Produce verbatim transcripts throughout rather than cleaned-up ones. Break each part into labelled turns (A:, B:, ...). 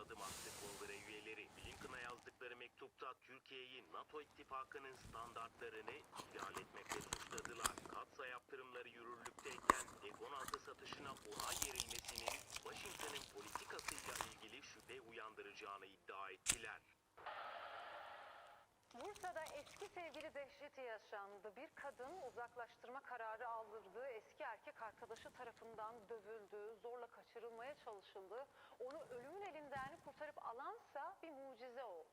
A: adım attı kongre üyeleri. Blinken'a yazdıkları mektupta Türkiye'yi NATO ittifakının standartlarını ihlal etmekle suçladılar. Katsa yaptırımları yürürlükteyken F on altı satışına onay verilmesinin Washington'ın politikasıyla ilgili şüphe uyandıracağını iddia ettiler.
B: Bursa'da eski sevgili dehşeti yaşandı. Bir kadın uzaklaştırma kararı aldırdığı eski erkek arkadaşı tarafından dövüldü, zorla kaçırılmaya çalışıldı. Onu ölümün elinden kurtarıp alansa bir mucize oldu.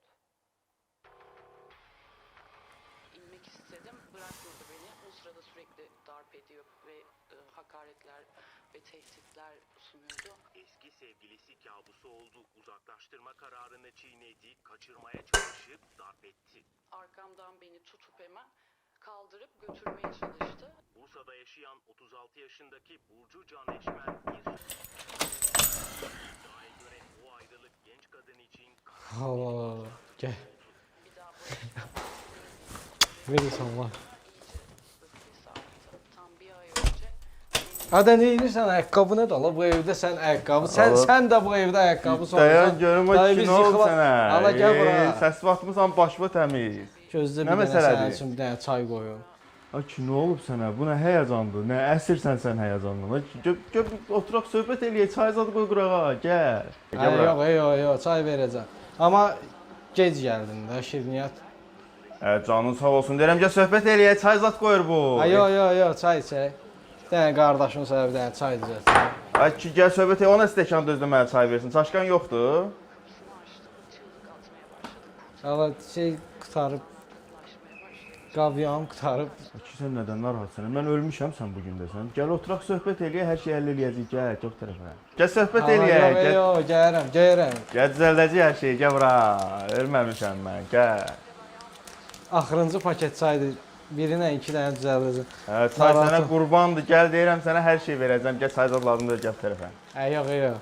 C: İnmek istedim, bırakmadı beni. O sırada sürekli darp ediyor ve e, hakaretler ve tehditler sunuyordu.
A: Eski sevgilisi kabusu oldu. Uzaklaştırma kararını çiğnedi, kaçırmaya çalışıp darp etti.
C: Arkamdan beni tutup hemen kaldırıp götürmeye çalıştı.
A: Bursa'da yaşayan otuz altı yaşındaki Burcu Can Eşmer bir iddiaya göre o ayrılık genç kadın için
D: Allah gel.
C: Bir daha barışmadan
D: Verirsən Allah.
C: öfkesi arttı. Tam bir ay önce
D: Ada ne edirsən ayaqqabı nə də la bu evdə sən ayaqqabı sən
E: Allah.
D: sən də bu evdə ayaqqabı sorsan.
E: Dayan görüm o
D: Dayı
E: ki
D: biz
E: ne oldu
D: yıxıla-
E: sənə?
D: Ala gel bura.
E: Ey, Səs batmısan başma təmiz.
D: Gözdə
E: Nə
D: bir dənə
E: məsələdir?
D: sənin üçün bir dənə çay qoyun.
E: Ay ki ne olub sənə? Bu nə həyəcandır? Nə əsirsən sən həyəcandan? Ay ki, Gəl gəl oturaq söhbət eləyək. Çay zad qoy qurağa. Gəl. Gəl
D: Ay,
E: bura.
D: yox, yox, yox, çay verəcəm. Amma gec gəldin də şirniyyat.
E: Hə, canın sağ olsun. Deyirəm gəl söhbət eləyək. Çay zad qoyur bu.
D: Ay, yox, yox, yox, çay içək. Bir dənə qardaşın sənə bir dənə çay düzəltsin.
E: Ay ki gəl söhbət elə. Ona stəkan düzdür mənə çay versin. Çaşqan yoxdur.
C: şunu açtı. Çığlık atmaya başladı.
D: Allah şey qutarıb,
C: Ulaşmaya başladı.
D: qavyan qutarıb.
E: Ay ki sən nədən narahatsan? Mən ölmüşəm sən bu gün desən. Gəl oturaq söhbət eləyək. Hər şey həll eləyəcəyik. Gəl, çox tərəfə. Gəl söhbət
D: Allah,
E: eləyək.
D: yox,
E: Gəl.
D: yox, gəlirəm, gəlirəm.
E: Gəl düzəldəcəyik hər şeyi. Gəl bura. Ölməmişəm mən. Gəl.
D: Axırıncı paket çaydır. Birinə iki dənə düzəldəcəm.
E: Hə, çay sənə
D: Narahatım.
E: qurbandır. Gəl deyirəm sənə hər şey verəcəm. Gəl çay zad lazımdır gəl tərəfə.
D: Ay, yox, yox.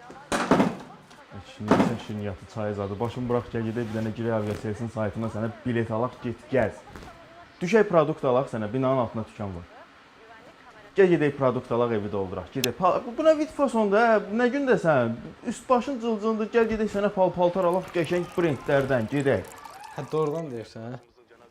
E: Şimdi sən şirniyyatı çay zadı. Başım bıraq gəl gedək bir dənə girək aviaselsin saytına sənə bilet alaq get gəz. Düşək produkt alaq sənə binanın altında dükan var. Gəl gedək produkt alaq evi dolduraq. Gedək. Pa- Bu bu nə vid fasonda? Hə? Nə gündəsən? Üst başın cılcındır. Gəl gedək sənə pal-paltar alaq qəşəng brendlərdən gedək.
D: Hə, doğrudan deyirsən, hə?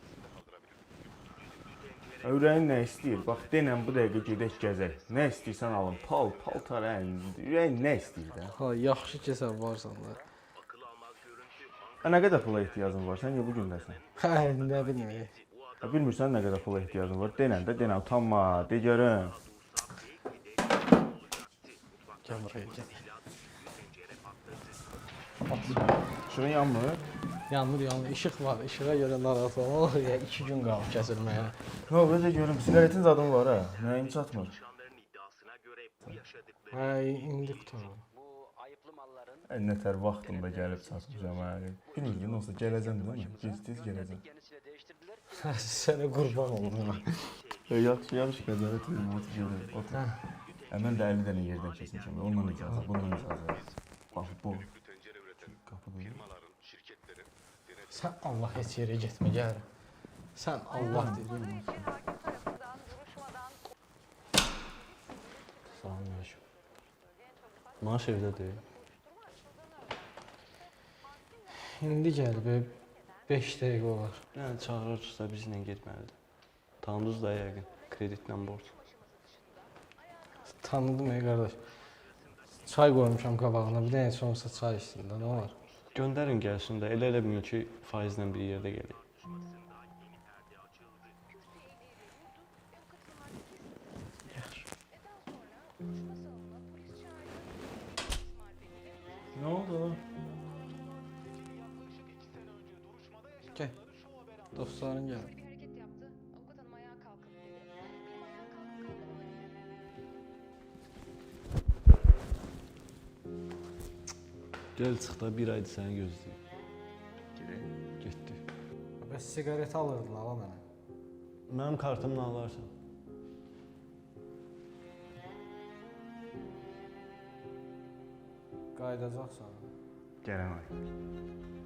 E: Ürəyin nə istəyir? Bax denən bu dəqiqə gedək gəzək. Nə istəyirsən alın. Pal, paltar, hə. Ürəyin nə istəyir də?
D: Ha, yaxşı ki sən varsan da.
A: akıl almaz görüntü
E: Hə, nə qədər pula ehtiyacın var? Sən niyə bu gündəsən?
D: Hə, nə bilmirəm.
E: Hə, bilmirsən nə qədər pula ehtiyacın var? Denən də denən, utanma, de görüm.
D: Gəl buraya, gəl.
E: Şurun yanmır.
D: Yanmır, yanmır. İşıq var. İşığa görə narahat olma. Ya iki gün qalıb kəsilməyə.
E: Yo, belə görüm, siqaretin zadın var ha. Nəyin çatmır?
A: çalışanların iddiasına göre bu yaşadıkları
D: Hə, indi qutarım.
F: Bu ayıplı malların
E: Ən nətər vaxtında gəlib çatmışam ha. Bilmirdim, olsa gələcəm də mən. Gec-tez gələcəm.
F: yenisiyle değiştirdiler.
D: Sənə qurban olum.
E: Yaxşı, yaxşı, qəzarət edim, otur gedim, otur. Hə, mən də əlli dənə yerdən keçmişəm. Ondan icazə, bundan icazə. Bax, bu. Qapı böyle.
D: Sən Allah heç yerə getmə, gəl. Sən Allah dedin.
B: Eski hakim tarafından duruşmadan
G: Salamünaleyküm. Maaş evdədir.
D: İndi gəl be. beş dəqiqə olar.
G: Yəni çağırırsa bizlə getməlidir. Tanıdınız da yəqin, kreditlə borc.
D: Tanıdım ey qardaş. Çay qoymuşam qabağına. Bir dənə sonrası çay içsin də, nə olar?
G: Göndərin gəlsin də, elə elə bilin ki, faizlə bir yerdə gəlir.
E: Nə oldu?
D: Gəl. Dostların gəl.
B: bir hareket yaptı. Avukat hanım ayağa kalkın dedi. Benim ayağa kalkmam.
G: Gəl çıx da bir aydır səni gözləyir. Getdi.
D: Bəs siqaret alırdın ala mənə.
G: Mənim kartımla alarsan.
D: Qayıdacaqsan.
E: Gələm ay.